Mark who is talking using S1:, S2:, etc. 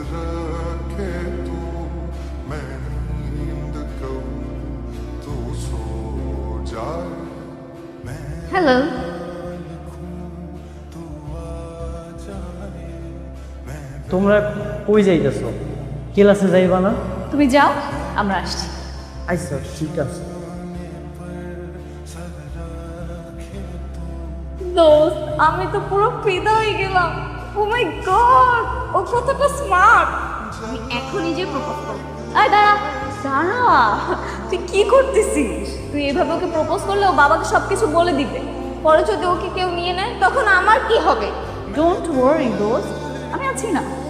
S1: रखे तू मैं नींद करूं तू सो जाए
S2: হ্যালো
S3: তোমরা কই যাইতেছো? ক্লাসে যাইবা না?
S2: তুমি যাও আমরা আসছি
S3: আচ্ছা ঠিক আছে।
S2: দোস্ত আমি তো পুরো ফিদা হয়ে গেলাম। ও মাই গড ও কতটা স্মার্ট। আমি এখনই যে প্রপোজ করব। আয় দাঁড়া দাঁড়া, তুই কি করতেছিস? তুই এভাবে ওকে প্রপোজ করলে ও বাবাকে সবকিছু বলে দিবে। পরে যদি ওকে কেউ নিয়ে নেয় তখন আমার কি হবে? ডোন্ট ওয়ারি দোস্ত, আমি আছি না।